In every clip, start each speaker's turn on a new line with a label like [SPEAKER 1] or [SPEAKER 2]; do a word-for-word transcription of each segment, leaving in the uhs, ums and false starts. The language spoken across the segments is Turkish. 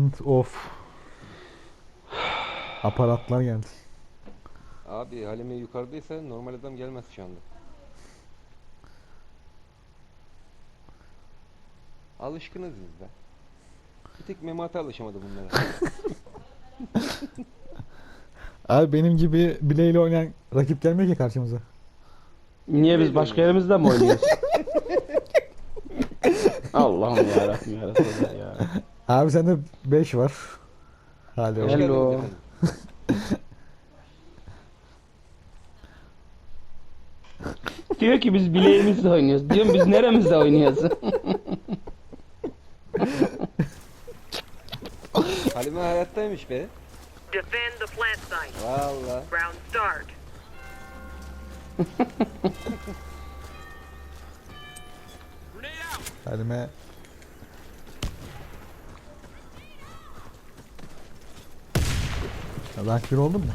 [SPEAKER 1] Sound of aparatlar geldi.
[SPEAKER 2] Abi Halime yukarıdaysa normal adam gelmez şu anda. Alışkınız biz be. Bir tek Memati alışamadı bunlara.
[SPEAKER 1] Abi benim gibi bileğiyle oynayan rakip gelmiyor ki karşımıza.
[SPEAKER 3] Niye biz başka yerimizde mi oynuyoruz? Allah'ım yarabbim ya Resulallah ya.
[SPEAKER 1] Abi sende beş var. Hadi
[SPEAKER 2] Hoş
[SPEAKER 1] oğlum.
[SPEAKER 3] Hello.
[SPEAKER 2] geldiniz efendim.
[SPEAKER 3] Diyor ki biz bileğimizle oynuyoruz. Diyorum biz neremizde oynuyoruz?
[SPEAKER 2] Halime hayattaymış be.
[SPEAKER 4] Defend the plant site.
[SPEAKER 2] Valla.
[SPEAKER 4] Round start.
[SPEAKER 1] Halime. Rank bir oldun mu?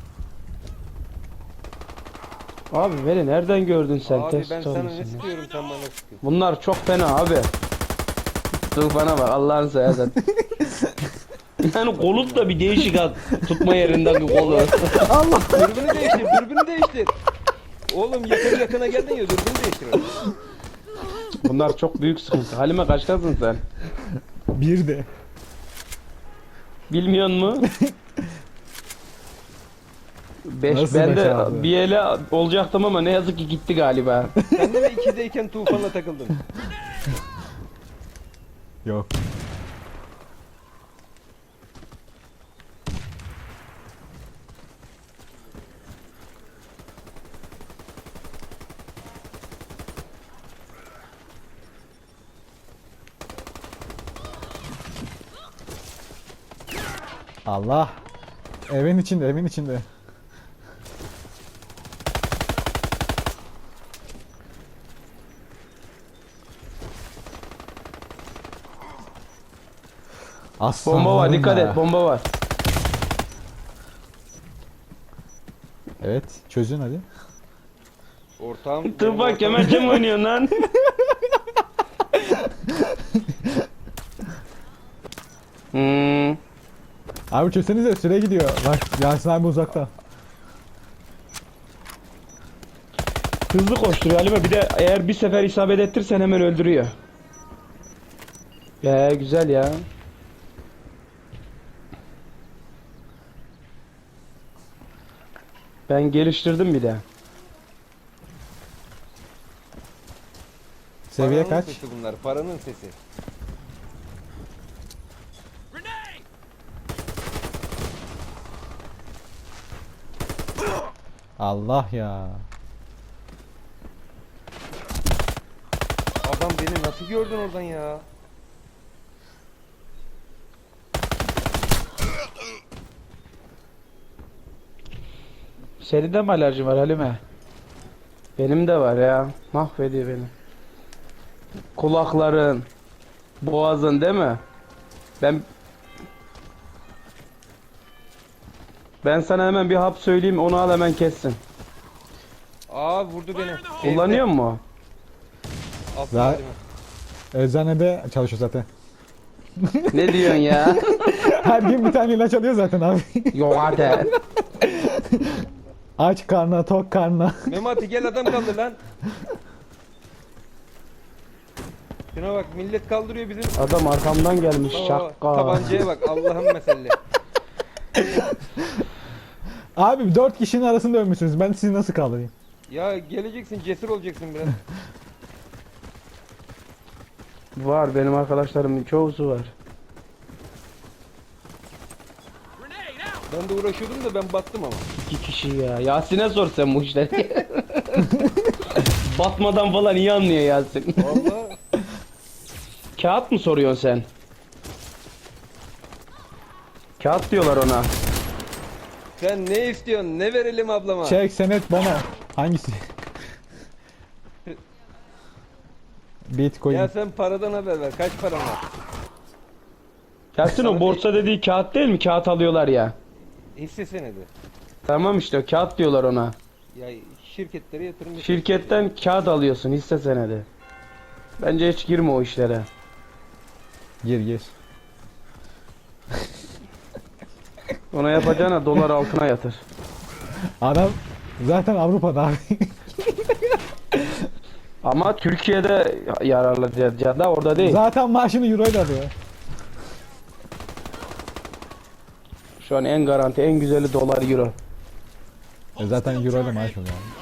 [SPEAKER 3] Abi beni nereden gördün sen?
[SPEAKER 2] Abi
[SPEAKER 3] Test
[SPEAKER 2] ben sana
[SPEAKER 3] olmuşsun
[SPEAKER 2] ne
[SPEAKER 3] ya.
[SPEAKER 2] sıkıyorum sen bana sıkıyorsun.
[SPEAKER 3] Bunlar çok fena abi. Dur bana bak Allah'ını seversen. Yani kolut da bir değişik at. Tutma yerinden bir kolu.
[SPEAKER 2] Allah! Dürbünü değiştir, dürbünü değiştir. Oğlum yakın yakına geldin ya dürbünü değiştir.
[SPEAKER 3] Bunlar çok büyük sıkıntı. Halime kaçtasın sen?
[SPEAKER 1] Bir de.
[SPEAKER 3] Bilmiyor mu? Beş
[SPEAKER 1] Nasıl
[SPEAKER 3] ben
[SPEAKER 1] beş
[SPEAKER 3] de
[SPEAKER 1] abi?
[SPEAKER 3] bir ele olacaktım ama ne yazık ki gitti galiba.
[SPEAKER 2] Sen de mi ikideyken tufanla takıldın?
[SPEAKER 1] Yok. Allah. Evin içinde, evin içinde. Aslan
[SPEAKER 3] Bomba var, dikkat
[SPEAKER 1] ya.
[SPEAKER 3] et, bomba var.
[SPEAKER 1] Evet, çözün hadi.
[SPEAKER 2] Ortağım...
[SPEAKER 3] Dur
[SPEAKER 2] benim
[SPEAKER 3] bak
[SPEAKER 2] ortağım-
[SPEAKER 3] kemençe mi oynuyorsun lan? hmm.
[SPEAKER 1] Abi çözsenize, süre gidiyor. Bak Yasin abi uzakta.
[SPEAKER 3] Hızlı koşturuyor Halime. Bir de eğer bir sefer isabet ettirsen hemen öldürüyor. Ya güzel ya. Ben geliştirdim bir de.
[SPEAKER 1] Seviye
[SPEAKER 2] Paranın
[SPEAKER 1] kaç?
[SPEAKER 2] sesi bunlar, paranın sesi.
[SPEAKER 1] Allah ya.
[SPEAKER 2] Adam beni nasıl gördün oradan ya?
[SPEAKER 3] Senin de mi alerjin var Halime? Benim de var ya. Mahvediyor beni. Kulakların, boğazın değil mi? Ben Ben sana hemen bir hap söyleyeyim, onu al hemen kessin.
[SPEAKER 2] Aa vurdu beni.
[SPEAKER 3] Kullanıyor mu?
[SPEAKER 2] Altın
[SPEAKER 1] Daha-
[SPEAKER 2] halime.
[SPEAKER 1] Eczanede çalışıyor zaten.
[SPEAKER 3] Ne diyorsun ya?
[SPEAKER 1] Her gün bir tane ilaç alıyor zaten abi.
[SPEAKER 3] Yok hadi.
[SPEAKER 1] Aç karnına, tok karnına.
[SPEAKER 2] Memati gel adam kaldır lan. Şuna bak millet kaldırıyor bizim.
[SPEAKER 3] Adam arkamdan gelmiş
[SPEAKER 2] Aa,
[SPEAKER 3] şakka.
[SPEAKER 2] tabancaya bak Allah'ın mesele.
[SPEAKER 1] Abi dört kişinin arasında ölmüşsünüz. Ben sizi nasıl kaldırayım?
[SPEAKER 2] Ya geleceksin cesur olacaksın biraz.
[SPEAKER 3] Var benim arkadaşlarımın çoğusu var.
[SPEAKER 2] Ben de uğraşıyordum da ben battım ama.
[SPEAKER 3] İki kişi ya. Yasin'e sor sen bu işleri. Batmadan falan iyi anlıyor Yasin.
[SPEAKER 2] Vallahi
[SPEAKER 3] Kağıt mı soruyorsun sen? Kağıt diyorlar ona.
[SPEAKER 2] sen ne istiyorsun? Ne verelim ablama?
[SPEAKER 1] Çek, senet, bana. Hangisi? Bitcoin.
[SPEAKER 2] Ya sen paradan haber ver. Kaç paran var?
[SPEAKER 3] Yasin o borsa dediği kağıt değil mi? Kağıt alıyorlar ya.
[SPEAKER 2] Hisse senedi.
[SPEAKER 3] Tamam işte o kağıt diyorlar ona.
[SPEAKER 2] Ya şirketlere yatırım yapıyorsun.
[SPEAKER 3] Şirketten kağıt alıyorsun hisse senedi. Bence hiç girme o işlere.
[SPEAKER 1] Gir gir.
[SPEAKER 3] Ona yapacağına dolar altına yatır.
[SPEAKER 1] Adam zaten Avrupa'da abi.
[SPEAKER 3] Ama Türkiye'de yararlı da orada değil.
[SPEAKER 1] Zaten maaşını euro ile alıyor.
[SPEAKER 3] Şu an en garanti, en güzeli dolar euro.
[SPEAKER 1] E zaten euro ile maaş alıyor abi.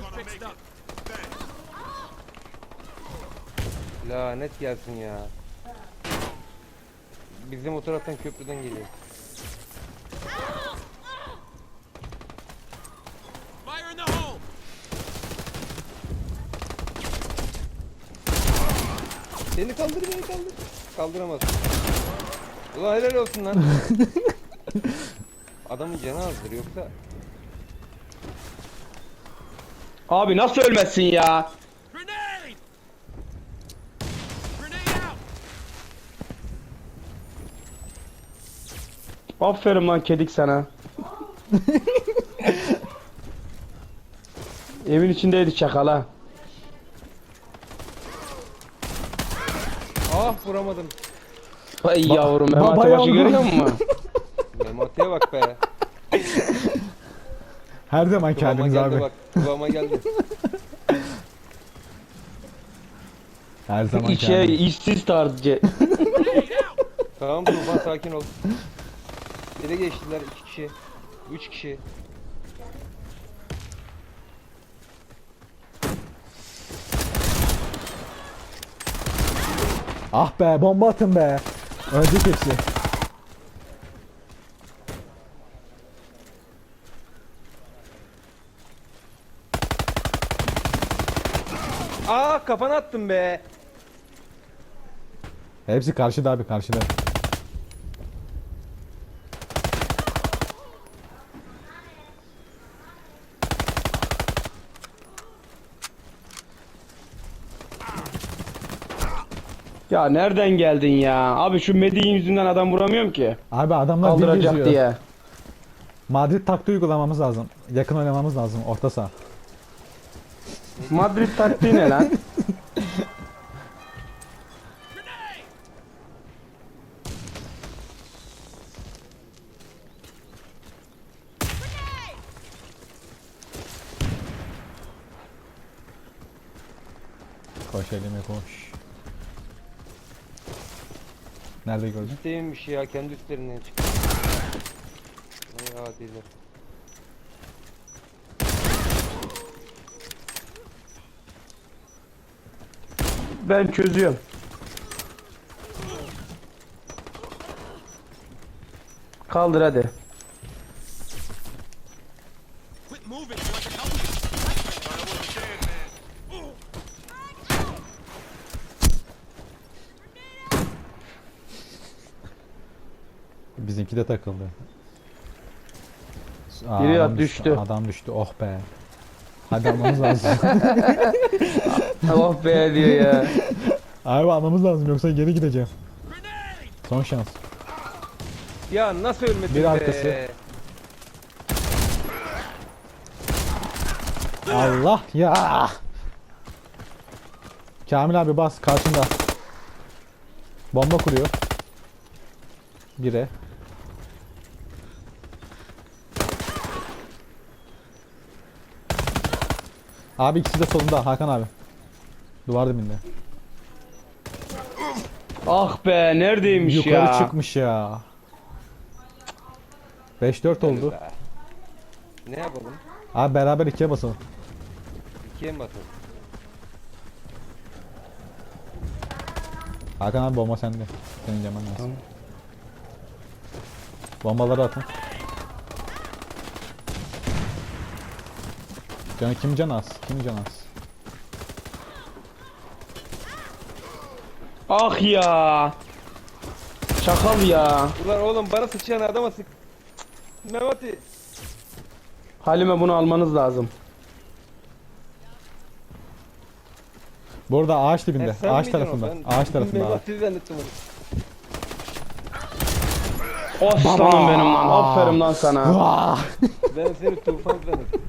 [SPEAKER 2] Lanet gelsin ya. Bizim o taraftan köprüden geliyor.
[SPEAKER 5] Fire in the hole!
[SPEAKER 2] Beni kaldır beni kaldır. Kaldıramaz. Ulan helal olsun lan. Adamın canı azdır yoksa.
[SPEAKER 3] Abi nasıl ölmezsin ya?
[SPEAKER 5] Grenade! Grenade out!
[SPEAKER 3] Aferin lan kedik sana. Evin içindeydi çakala.
[SPEAKER 2] Ah vuramadım.
[SPEAKER 3] Vay yavrum
[SPEAKER 1] ba-
[SPEAKER 3] Mehmet
[SPEAKER 1] bayağı
[SPEAKER 3] başı
[SPEAKER 1] oldu.
[SPEAKER 3] görüyor musun?
[SPEAKER 2] Memati'ye bak be.
[SPEAKER 1] Her zaman
[SPEAKER 2] Kıvama
[SPEAKER 1] kendiniz
[SPEAKER 2] geldi
[SPEAKER 1] abi.
[SPEAKER 2] bak. Kıvama geldi.
[SPEAKER 1] Her zaman
[SPEAKER 3] İçe
[SPEAKER 1] kendiniz.
[SPEAKER 3] işsiz tarzı.
[SPEAKER 2] Tamam Tufan sakin ol. Ele geçtiler iki kişi. Üç kişi.
[SPEAKER 1] Ah be bomba atın be. Ölecek hepsi.
[SPEAKER 2] Aa kafana attım be.
[SPEAKER 1] Hepsi karşıda abi karşıda.
[SPEAKER 3] Ya nereden geldin ya? Abi şu Medi'nin yüzünden adam vuramıyorum ki.
[SPEAKER 1] Abi adamlar bir
[SPEAKER 3] Kaldıracak
[SPEAKER 1] geziyor.
[SPEAKER 3] diye.
[SPEAKER 1] Madrid taktiği uygulamamız lazım. Yakın oynamamız lazım orta saha.
[SPEAKER 3] Madrid taktiği ne lan?
[SPEAKER 1] Koş elime koş. Nerede gördün?
[SPEAKER 2] İsteymiş ya kendi üstlerinden çıktı. Ay adiler.
[SPEAKER 3] Ben çözüyorum. Kaldır hadi.
[SPEAKER 5] Quit moving so I can help you!
[SPEAKER 1] Bizimki de takıldı. Aa,
[SPEAKER 3] Biri
[SPEAKER 1] adam
[SPEAKER 3] düştü.
[SPEAKER 1] Adam düştü. Oh be. Hadi almamız lazım.
[SPEAKER 3] Oh be diyor ya.
[SPEAKER 1] Abi almamız lazım yoksa geri gideceğim. Son şans.
[SPEAKER 2] Ya nasıl ölmedin
[SPEAKER 1] Bir
[SPEAKER 2] be?
[SPEAKER 1] arkası. Allah ya. Kamil abi bas karşında. Bomba kuruyor. Bire. Abi ikisi de solunda Hakan abi. Duvar dibinde.
[SPEAKER 3] Ah be neredeymiş
[SPEAKER 1] Yukarı
[SPEAKER 3] ya?
[SPEAKER 1] çıkmış ya. beş dört oldu.
[SPEAKER 2] Be. Ne yapalım?
[SPEAKER 1] Abi beraber ikiye basalım.
[SPEAKER 2] İkiye mi batalım?
[SPEAKER 1] Hakan abi bomba sende. Senin yemen lazım. Bombaları atın. Canı kim can az? Kim can az?
[SPEAKER 3] Ah ya. Çakal ya.
[SPEAKER 2] Ulan oğlum bana sıçrayan adama sık. Memati.
[SPEAKER 3] Halime bunu almanız lazım.
[SPEAKER 1] Burada ağaç dibinde.
[SPEAKER 2] He, sen
[SPEAKER 1] Ağaç
[SPEAKER 2] miydin o?
[SPEAKER 1] tarafında.
[SPEAKER 2] Ben
[SPEAKER 1] Ağaç tarafında abi.
[SPEAKER 2] Memati zannettim onu.
[SPEAKER 3] Aslanım benim lan. Aferin lan sana.
[SPEAKER 1] Vah!
[SPEAKER 2] Ben seni tufan zannettim.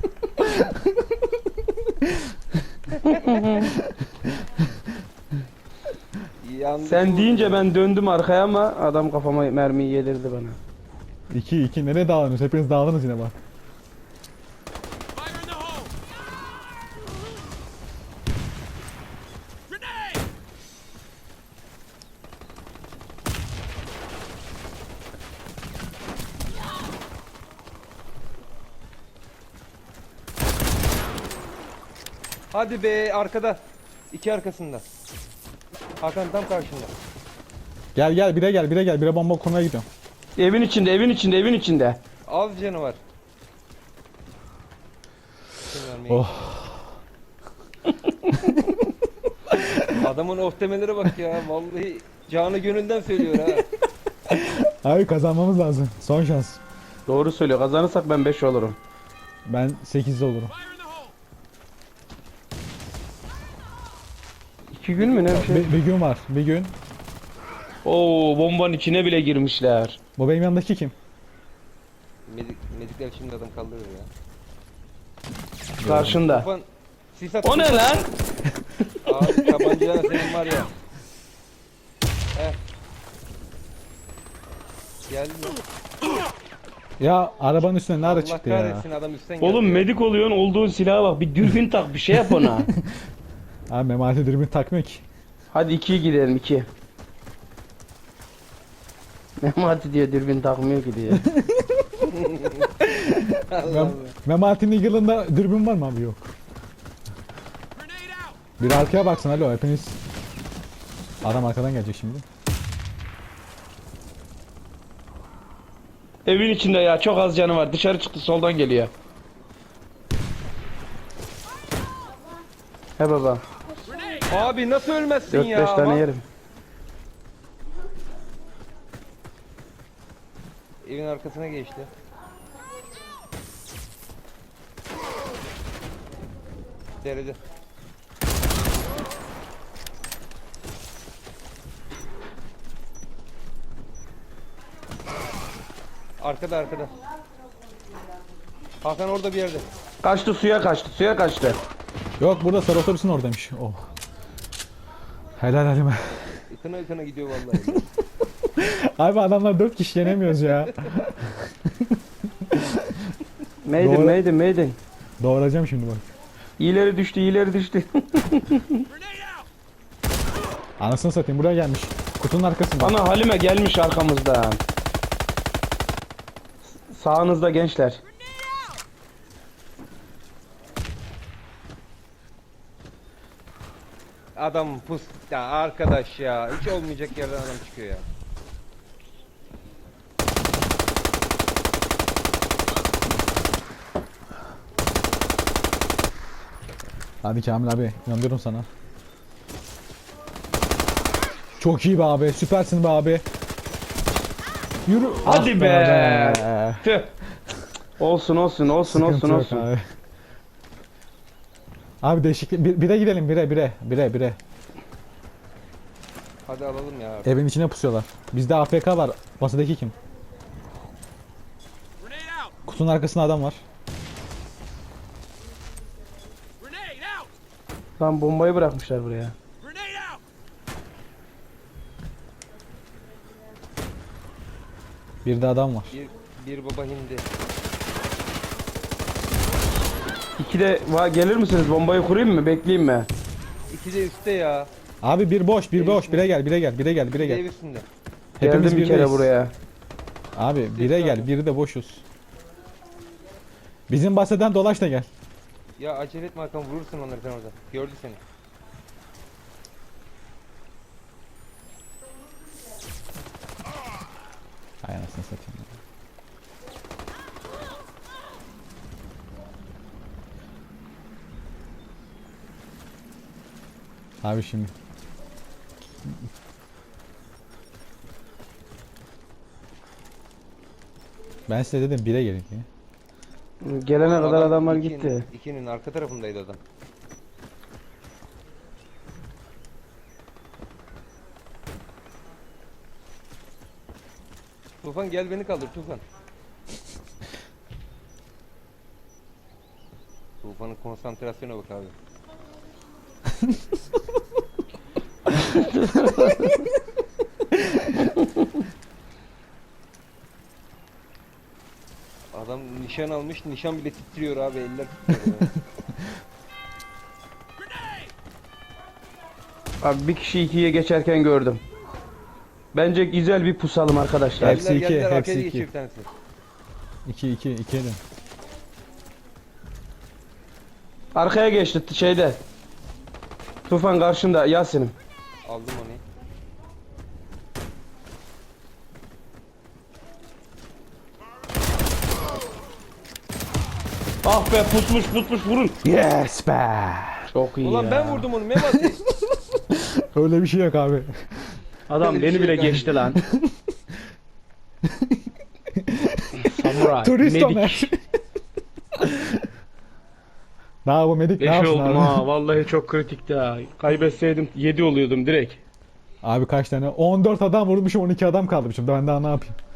[SPEAKER 2] Yandım.
[SPEAKER 3] Sen deyince ben döndüm arkaya ama adam kafama mermiyi yedirdi bana.
[SPEAKER 1] İki iki nereye dağılıyorsunuz? Hepiniz dağıldınız yine bak.
[SPEAKER 5] Fire in the hole! Grenade!
[SPEAKER 2] Hadi be arkada. İki arkasında. Hakan tam karşında.
[SPEAKER 1] Gel gel bire gel bire gel. Bire bomba kurmaya gidiyorum.
[SPEAKER 3] Evin içinde, evin içinde, evin içinde.
[SPEAKER 2] Az canı var. Kim vermeyi-
[SPEAKER 1] Oh.
[SPEAKER 2] Adamın of demelere bak ya. Vallahi canı gönülden söylüyor ha.
[SPEAKER 1] Abi kazanmamız lazım. Son şans.
[SPEAKER 3] Doğru söylüyor. Kazanırsak ben beş olurum.
[SPEAKER 1] Ben sekizde olurum.
[SPEAKER 5] Fire in the hole!
[SPEAKER 3] İki gün mü ne bir şey?
[SPEAKER 1] Bir, bir gün var. Bir gün.
[SPEAKER 3] Oo, bombanın içine bile girmişler.
[SPEAKER 1] Bu benim yanındaki kim?
[SPEAKER 2] Medik, medikler şimdi adam kaldırır ya.
[SPEAKER 3] Karşında.
[SPEAKER 2] Tufan, sis at.
[SPEAKER 3] O ne lan?
[SPEAKER 2] Abi tabancayla senin var ya. Heh. Geldi mi?
[SPEAKER 1] Ya arabanın üstüne nerede
[SPEAKER 2] Allah
[SPEAKER 1] çıktı ya?
[SPEAKER 2] kahretsin adam üstten geldi.
[SPEAKER 3] Oğlum
[SPEAKER 2] ya.
[SPEAKER 3] medik oluyorsun, olduğun silaha bak. Bir dürbün tak, bir şey yap ona.
[SPEAKER 1] Abi Memati dürbün takmıyor ki.
[SPEAKER 3] Hadi ikiye gidelim, iki. Memati diyor dürbün takmıyor ki diyor.
[SPEAKER 2] Allah Allah.
[SPEAKER 1] Memati'nin yılında dürbün var mı abi? Yok.
[SPEAKER 5] Grenade out!
[SPEAKER 1] Bir arkaya baksın alo hepiniz. Adam arkadan gelecek şimdi.
[SPEAKER 3] Evin içinde ya, çok az canı var. Dışarı çıktı, soldan geliyor. He baba.
[SPEAKER 5] Grenade!
[SPEAKER 2] Abi nasıl ölmezsin
[SPEAKER 3] dört
[SPEAKER 2] ya?
[SPEAKER 3] beş tane
[SPEAKER 2] Ama-
[SPEAKER 3] yerim.
[SPEAKER 2] Evin arkasına geçti. Derede. Arkada arkada. Hakan orada bir yerde.
[SPEAKER 3] Kaçtı, suya kaçtı, suya kaçtı.
[SPEAKER 1] Yok burada sarı otobüsün oradaymış. Oh. Helal halime.
[SPEAKER 2] Ikına ıkına gidiyor vallahi.
[SPEAKER 1] Abi adamlar dört kişi yenemiyoruz ya.
[SPEAKER 3] Maiden,
[SPEAKER 1] Doğru.
[SPEAKER 3] maiden, maiden.
[SPEAKER 1] Doğuracağım şimdi bak.
[SPEAKER 3] İyileri düştü, iyileri düştü.
[SPEAKER 5] Grenade out!
[SPEAKER 1] Anasını satayım buraya gelmiş. Kutunun arkasında.
[SPEAKER 3] Ana Halime gelmiş arkamızdan. Sağınızda gençler.
[SPEAKER 2] Adam pus ya arkadaş ya. Hiç olmayacak yerden adam çıkıyor ya.
[SPEAKER 1] Hadi Kamil abi inanıyorum sana. Çok iyi be abi. Süpersin be abi. Yürü.
[SPEAKER 3] Hadi
[SPEAKER 1] Ah
[SPEAKER 3] be.
[SPEAKER 1] be.
[SPEAKER 3] Tüh. Olsun olsun olsun
[SPEAKER 1] Sıkıntı
[SPEAKER 3] olsun
[SPEAKER 1] yok
[SPEAKER 3] olsun.
[SPEAKER 1] Abi. Abi değişiklik. Bir, bire gidelim bire bire. Bire bire.
[SPEAKER 2] Hadi alalım ya.
[SPEAKER 1] Evin içine pusuyorlar. Bizde A F K var. Masadaki kim?
[SPEAKER 5] Grenade out!
[SPEAKER 1] Kutunun arkasında adam var.
[SPEAKER 5] Grenade out!
[SPEAKER 3] Lan bombayı bırakmışlar buraya.
[SPEAKER 5] Grenade out!
[SPEAKER 1] Bir de adam var.
[SPEAKER 2] Bir, bir baba hindi.
[SPEAKER 3] İki de va gelir misiniz? Bombayı kurayım mı? Bekleyeyim mi?
[SPEAKER 2] İki de üstte ya.
[SPEAKER 1] Abi bir boş, bir
[SPEAKER 2] Ev
[SPEAKER 1] boş.
[SPEAKER 2] üstünde.
[SPEAKER 1] Bire gel, bire gel, bire gel, bire
[SPEAKER 2] Bir de ev
[SPEAKER 1] gel.
[SPEAKER 2] üstünde.
[SPEAKER 1] Hepimiz
[SPEAKER 3] Geldim bir kere
[SPEAKER 1] birdeyiz.
[SPEAKER 3] buraya.
[SPEAKER 1] Abi bire
[SPEAKER 2] Üstü
[SPEAKER 1] gel,
[SPEAKER 2] abi.
[SPEAKER 1] biri de boşuz. Bizim bahseden dolaş da gel.
[SPEAKER 2] Ya acele etme Hakan vurursun onları sen orada. Gördü seni.
[SPEAKER 1] Hay anasını satayım. ya. Abi şimdi. Ben size dedim bire gelin diye.
[SPEAKER 3] Gelene
[SPEAKER 2] Oğlum
[SPEAKER 3] kadar
[SPEAKER 2] adam
[SPEAKER 3] adamlar
[SPEAKER 2] ikinin-
[SPEAKER 3] gitti.
[SPEAKER 2] İkinin arka tarafındaydı adam. Tufan gel beni kaldır Tufan. Tufan'ın konsantrasyona bak abi. Nişan almış. Nişan bile titriyor abi. Eller titriyor. ya.
[SPEAKER 3] Abi bir kişi ikiye geçerken gördüm. Bence güzel bir pusalım arkadaşlar.
[SPEAKER 1] Hepsi
[SPEAKER 2] Geldiler,
[SPEAKER 1] iki,
[SPEAKER 2] geldiler,
[SPEAKER 1] hepsi
[SPEAKER 2] arkaya
[SPEAKER 1] iki.
[SPEAKER 2] geçiyor bir tanesi.
[SPEAKER 1] iki iki ikiye dön.
[SPEAKER 3] Arkaya geçti t- şeyde. Tufan karşında Yasin'im.
[SPEAKER 2] Aldım onu.
[SPEAKER 3] Ah be pusmuş pusmuş vurun.
[SPEAKER 1] Yes be.
[SPEAKER 3] Çok iyi
[SPEAKER 2] Ulan
[SPEAKER 3] ya.
[SPEAKER 2] ben vurdum onu Memati.
[SPEAKER 1] Öyle bir şey yok abi.
[SPEAKER 3] Adam
[SPEAKER 2] Öyle bir
[SPEAKER 3] beni
[SPEAKER 2] şey
[SPEAKER 3] bile
[SPEAKER 2] yok
[SPEAKER 3] geçti lan. Samuray.
[SPEAKER 1] Turist
[SPEAKER 3] medik.
[SPEAKER 1] Ömer. Daha bu medik ne
[SPEAKER 3] Beş
[SPEAKER 1] yapsın
[SPEAKER 3] oldum
[SPEAKER 1] abi?
[SPEAKER 3] ha. Vallahi çok kritikti ha. Kaybetseydim yedi oluyordum direkt.
[SPEAKER 1] Abi kaç tane? on dört adam vurmuşum, on iki adam kalmışım. Ben daha ne yapayım?